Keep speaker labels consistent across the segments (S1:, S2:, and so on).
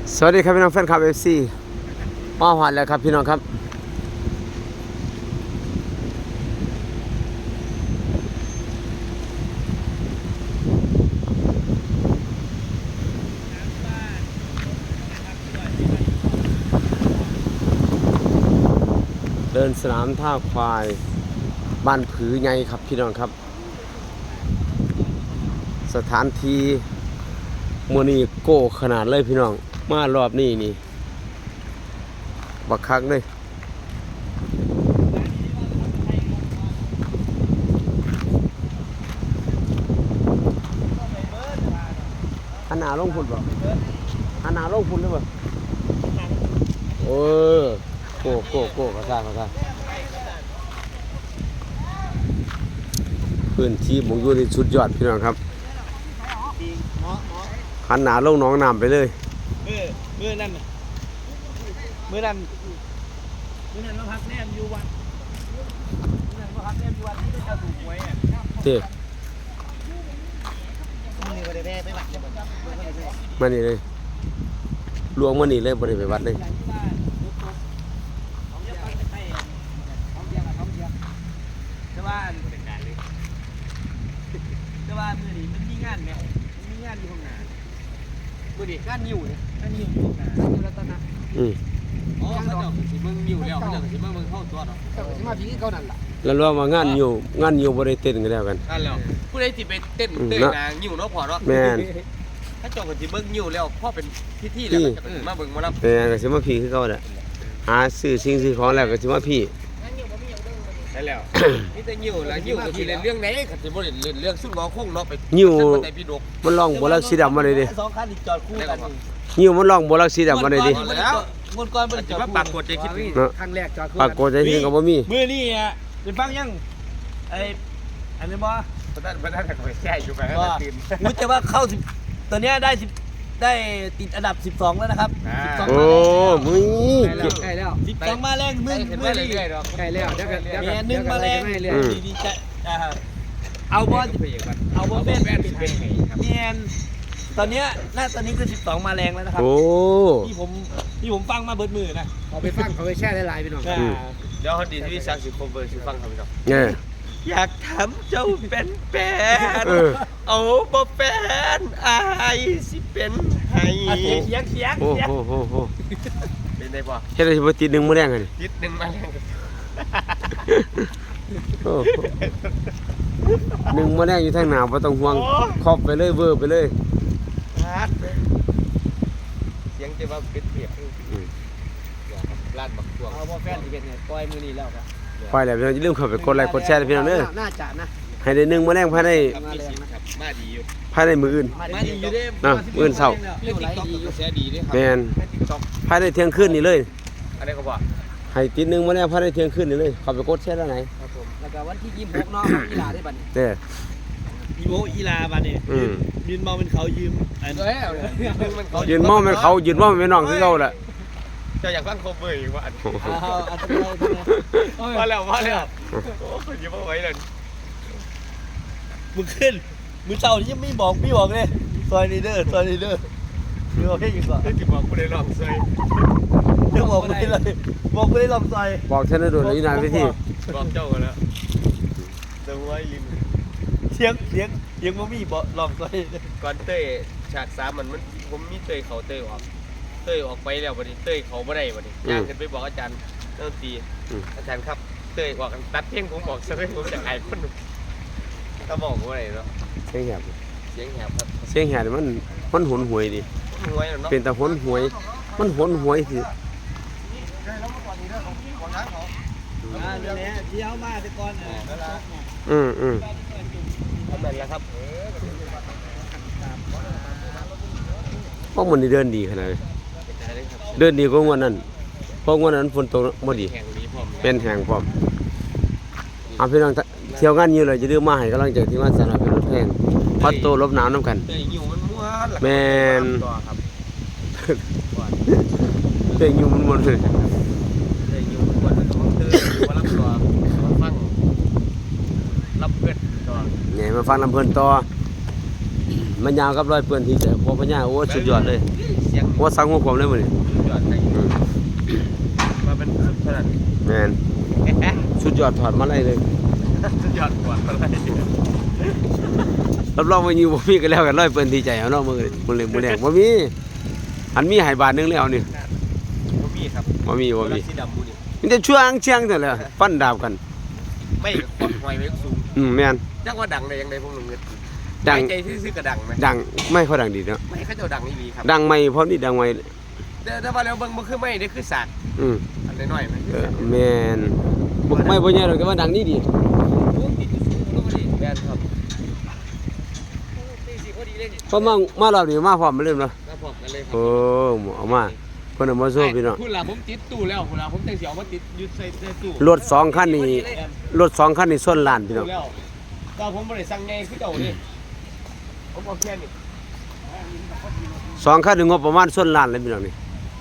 S1: สวัสดีครับพี่น้องแฟนคลับ FC มาหวานแล้วครับพี่น้องครับเดินสนามท่าควายบ้านผือไงครับพี่น้องครับสถานที่มื้อนี้โก้ขนาดเลยพี่น้องมารอบนี้นี่บักคักเลยหันหน้าลงพุ่นบ่หันหน้าลงพุ่นได้บ่โอ้โก้กระซ่าพื้นที่บ่อยู่นี่สุดยอดพี่น้องครับหันหน้าลงหนองน้ำไปเลย
S2: มือนั่นเราพักแนมอยู่วัดเราพักแนมอยู่วัดที่จะถูกหวยอ่ะ
S1: เด้มานี่เลยลวงมานี่เลยบ่ได้ไปวัดเลย
S2: แต่ว่ามือนี้มันมีงานไหมมันมีงานอยู่ข้างหน้ามือนี้งานอยู่เนี่ยงานอยู่ข้างหน้าอยู่รัตนะอ๋อเขาเจ้าสิเบิ่งอยู่แล้วเขาเจ้าสิมาเบิ่งเข้าตัวเนาะเจ้าสิมาพี่เขานั่นล่ะ
S1: แล้วรวมว่างานอยู่บ่ได้เต้นกันแล้วกัน
S2: นั่นแล้วผู้ใดสิไปเต้นเต้นนางอยู่เนาะพอเนาะ
S1: แม่น
S2: ถ้าเจ้าก็สิเบิ่งอยู่แล้วพอเป็นพิธีแล้วก็มาเบิ่งมาลำ
S1: แม่นก็สิมาพี่คือเก่าแหละหาซื้อสิ่งซื้อของแล้วก็สิมาพี่
S2: ได้แล้วมีแต่ยิ้วแล้วยิ้วก็สิเล่นเรื่องไหนก็สิบ่ได้เล่นเรื่องสุดงอคงเนาะไป
S1: ยิ้วมันร้องบ่ลักสีดำมาเลยดิ
S2: สองคันจอดคู่กัน
S1: ยิ้วมันร้องบ่ลักสีดำมาเลยดิ
S2: แล้วงวดก่อนบ่ได้จอดคู่ปากกดใจคิดครั้งแรกจอดคู่
S1: ปากกดใจคิดก็บ่มี
S2: มื้อนี้อ่ะได้ฟังยังอันนี้บ่บ่ได้ก็แช่อยู่ไปให้ตื่นรู้แต่ว่าเข้า10ตอนนี้ได้ติดอันดับ12แล้วนะครับ
S1: โอ้มึง
S2: ใกล้แล้ว12มาแรงมึงใกล้แล้วเดี๋ยวนึงมาแรงดีใจเอาบอลเป็นเนียนตอนนี้คือ12มาแรงแล้วนะครับที่ผมฟังมาเบิดมือนะ
S3: เอาไปฟังเขาไปแช่ได้หลายพี่น้อง
S2: เดี๋ยวเขาดีที่สักสิคอมเวอร์สิฟังเขาพี่น้องอยากทำเจ้าเป็นแฟนเอาบ่แฟนอายสิเป็นให้เสียง
S1: โอ้
S2: เป็นได้ป่ะ
S1: เฮ็ดได้สิบ่ติด1มื้อแรงกัน
S2: ติด1มาแรง
S1: โอ้1มื้อแรงอยู่ทางหน้าบ่ต้องห่วงครอบไปเลยเวอร์ไปเลย
S2: เสียงจะว่าเป็นเปียกลาดบักพวงเอาบ่แฟนสิเป็นไงปล่อยมื้อนี้แล้วครับ
S1: ปล่อยแล้วอย่าลืมเข้าไปกดไลค์กดแชร์พี่น้องเด้อ
S3: น่าจะนะ
S1: ให้ได้1มื้อแรงภายใน
S2: มาดีอยู่
S1: ภายในมื้ออื่น
S2: มาดีอยู่เด้
S1: มื้อเช้า
S2: แชร์ดีเด้ครับ
S1: แม่นภายในเที่ยงคืนนี่เลย
S2: อะไรก็บ่
S1: ให้ติด1มื้อแรงภายในเที่ยงคืนนี่เลยเข้าไปกดแชร์แล้วไหน
S3: ครับผมแล้วก็วันที่26เนาะกีฬาได้บัดนี้
S1: เด้อ
S2: อีลาบัดนี้ยืนเมาเป็นเขายืม
S1: ยืนเมาเป็นเขายืนเมาเป็นน้องคือเก่าแหละ
S2: จะอยากฟังโคเวอร์อีกว่ามาแล้วโอ้ยยิ้มเอาไว้เลยมึงขึ้นมึงเจ้านี่ยังไม่บอกเลยซอยนีเดอร์มึงเอาแค่ยังก่อนที่บอกกูได้ลองซอยยังบอกกูได้เลยบอกกูได้ลองซอย
S1: บอกฉันได้โดนอยู่นานไปที่
S2: บอกเจ้ากันแล้วเดี๋ยวไว้ลินเสียงมันมีบอกลองซอยก่อนเต้ฉาก3มันผมมีเต้เขาเต้ออกไปแล้ววันนี้เต้ยเขาไม่ได้วันนี้ย่างขึ้นไปบอกอาจารย์ดนตรีอาจารย์ครับเต้ยบอกตัดเพลงผมบอกซะเลยผมจะอายคนถ้าบอกว่าอะไรเนาะ
S1: เสียงแหบ
S2: ครับ
S1: เสียงแหบมันหนหวยดิเป็นแต่หนหวยมันหนหวยสิ
S2: เนี่ยเที่ยวมาแต่ก่อน
S1: เอา
S2: แบบแล้วครับ
S1: พวกมันนี่เดินดีขนาดเลยเดินดีกว่างวดนั้นเพราะงวดนั้นฝนตกบ่ดีเป็นแห้งพร้อมเอาพี่น้องเที่ยวงานอยู่เลยจะดื้อมาให้กำลังใจที่ว่าสนามเป็นรถแพงพัดโตลบหนาวน้ำกันแมนเตยอยู่มันเลย
S2: รับเพื่อนต่อ
S1: ไงมาฟังลำเพลินต่อมันยาวกับร้อยเปื้อนที่ใจพอพญาโอ้สุดยอดเลย
S2: เสียง
S1: ว่าสั่งหัวผมเลยมื้อนี้
S2: สุดยอดใครมาเป็นสุดขนาด
S1: แม่นสุดยอดถอดมาเลยเลย
S2: สุดยอดกว่าอะไร
S1: รับรองว่าอยู่บ่มีกันแล้วกันร้อยเปื้อนที่ใจเอาเนาะมื้อแรกบ่มีอันมีให้บาทนึงแล้วนี่
S2: บ่มีครับ
S1: บ่มี
S2: สีดำมูนี่
S1: มันจะช่วงเชียงนั่นแหละฟันดาบกัน
S2: ไม่กดหอยไว้สูง
S1: แม่น
S2: จักว่าดังได้ยังไงพวกหนุ่มเงิน
S1: ดัง
S2: ใจซื่อๆก็ดังไหม
S1: ดังไม่ค่อยดังดีเนาะ
S2: ไม่เขาเจ้าดังนี่ดีครับ
S1: ดังไม่พร้อมนี่ดังไม่
S2: เดี๋ยวมาแล้วเบิ่งบ่คือไม่ได้คือสาก
S1: อืม
S2: อันน้อยๆมัน
S1: แม่นบ่ไม่บ่ใหญ่หรอกแต่ว่าดังนี่ดี
S2: แม่นครับ
S1: เพราะมารอบนี้มาพร้อมมาเริ่มแล้ว
S2: แล้วพร้อมกันเลยครั
S1: โอ้เอามาเพิ่นเอามาโซ่พี่น้อง
S2: คุณล่ะผมติดตู้แล้วคุณล่ะผมจังสิเอามาติดยึดใส่ตู้
S1: รถ2คันนี่รถ2คันนี่ส่วนล้านพี่น้อง
S2: แล้วก็ผมบ่ได้สั่งไงคือเจ้านี่ผมเอาแค่นี้
S1: 2คันนี่งบประมาณส่วนล้านเลยพี่น้องนี่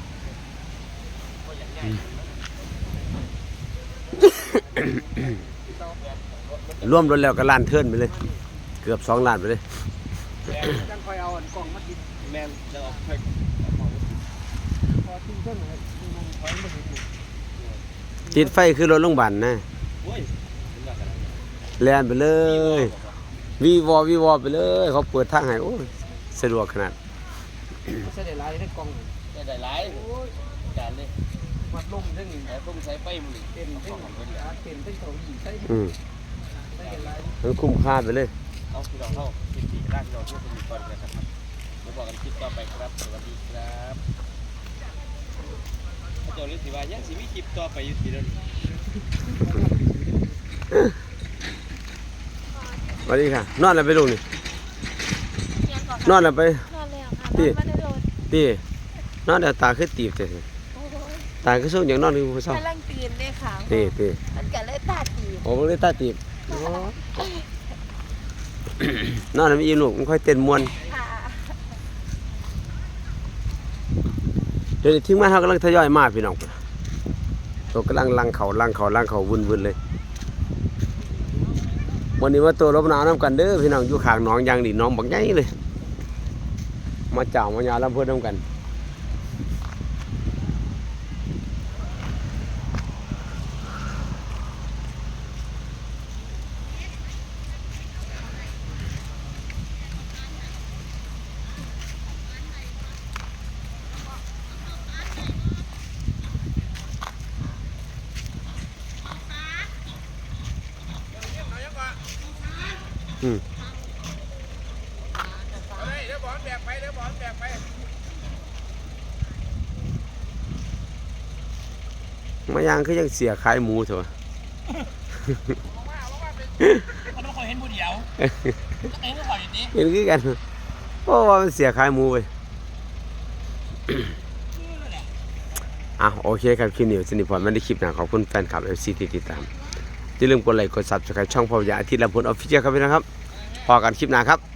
S1: รวมรถแล้วก็ล้านเทิร์นไปเลย เกือบ2ล้านไปเลย
S3: จังคอยเอากล่องมาติด
S2: แม่นจะเอาไป
S3: พอทิ้งเส้นเลยมันถอยมาถึง
S1: ติดไฟคือรถโรงพยาบาลนะ
S2: โอ้ย
S1: แล่นไปเลยวีวอไปเลย เขาเปิดทางให้โอ้ยสะดวกขนาด
S3: ใช่ได้หลายได้กล่อง
S2: ได้หลายจานเลย
S3: วัดลมทั้งนี้
S2: แต่ต้องใช้ไปมือ
S3: เป็นทั้งเป็นทั้งเกาหลีใช่
S1: อืม
S3: ได้หลาย
S1: มันคุ้มค่าไปเลย
S2: เอาพี่น้องเข้าคิดดีร่างพี่น้องช่วยสมุนก่อนกันนะครับมาบอกกันคลิปต่อไปครับสวัสดีครับพระเจ้าฤทธิวายังสิมีคลิปต่อไปอยู่ที่นั่น
S1: สวัสดีค่ะ นอนแล้วไปลูกนี่
S4: ยังก่อน
S1: นอนแล้วไป
S4: นอนแล้วค่ะ
S1: พี่
S4: นอนมาได้โดน
S1: พี่นอนแล้วตาคือตีบแต่
S4: โอ้ย
S1: ตาคือสูงอย่างนอนคือผู้เฒ่าก
S4: ำลังตื่นเลยค่ะ
S1: ตี
S4: มันก็เลยตาตีบ
S1: โอ้มันเลยตาตีบนอนแล้วมีอีลูกมันค่อยเต้นม่วน
S4: ค่ะ
S1: เดี๋ยวนี้ทีมงานเฮากำลังทยอยมาพี่น้องตัวกำลังลังเขาวุ่นๆเลยวันนี้มาตัวรบหนาวน้ำกันเด้อพี่น้องอยู่ข้างหนองยางดีน้องบักใหญ่เลยมาเจ้ามายาลำเพิ่นน้ำกันอืมมายางคือยังเสียขายหมูเถอะ
S2: มันต้องคอยเห็นผู้เดียวเองก็คอยอยู่นี่
S1: เห็นคือกันเพราะว่ามันเสียขายหมูไปโอเคครับคลิปนี้สนิทพรไม่ได้คลิปหนะขอบคุณแฟนคลับ FC ที่ติดตามอย่าลืมกดไลค์กด Subscribe ช่องพ่อใหญ่อาทิตย์ละพลออฟฟิเชียลครับพี่นะครับพอกันคลิปหน้าครับ